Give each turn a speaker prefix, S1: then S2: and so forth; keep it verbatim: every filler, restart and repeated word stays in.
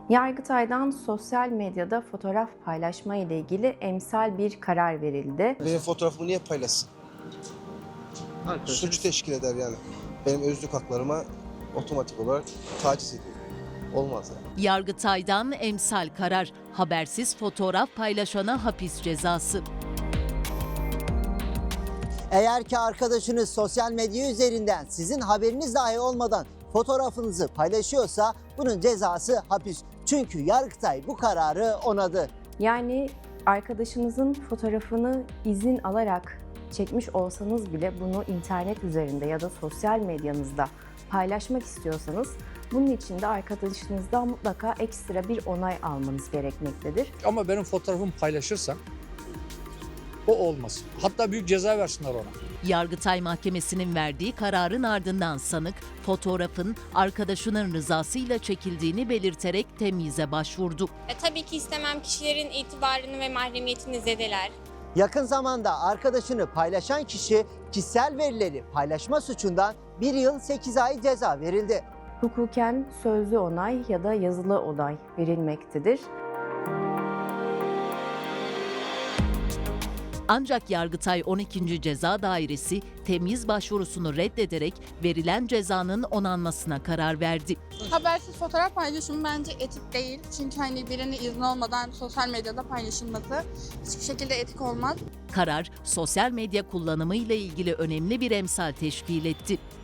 S1: Yargıtay'dan sosyal medyada fotoğraf paylaşma ile ilgili emsal bir karar verildi.
S2: Benim fotoğrafımı niye paylaşsın? Suç teşkil eder yani. Benim özlük haklarıma otomatik olarak taciz ediyor. Olmaz yani.
S3: Yargıtay'dan emsal karar, habersiz fotoğraf paylaşana hapis cezası.
S4: Eğer ki arkadaşınız sosyal medya üzerinden sizin haberiniz dahi olmadan fotoğrafınızı paylaşıyorsa bunun cezası hapis. Çünkü Yargıtay bu kararı onadı.
S1: Yani arkadaşınızın fotoğrafını izin alarak çekmiş olsanız bile bunu internet üzerinde ya da sosyal medyanızda paylaşmak istiyorsanız bunun için de arkadaşınızdan mutlaka ekstra bir onay almanız gerekmektedir.
S5: Ama benim fotoğrafımı paylaşırsan o olmaz. Hatta büyük ceza versinler ona.
S3: Yargıtay Mahkemesi'nin verdiği kararın ardından sanık fotoğrafın arkadaşının rızasıyla çekildiğini belirterek temyize başvurdu.
S6: E, tabii ki istemem kişilerin itibarını ve mahremiyetini zedeler.
S4: Yakın zamanda arkadaşını paylaşan kişi kişisel verileri paylaşma suçundan bir yıl sekiz ay ceza verildi.
S1: Hukuken sözlü onay ya da yazılı onay verilmektedir.
S3: Ancak Yargıtay on ikinci Ceza Dairesi temyiz başvurusunu reddederek verilen cezanın onanmasına karar verdi.
S7: Habersiz fotoğraf paylaşımı bence etik değil. Çünkü hani birinin izni olmadan sosyal medyada paylaşılması hiçbir şekilde etik olmaz.
S3: Karar, sosyal medya kullanımı ile ilgili önemli bir emsal teşkil etti.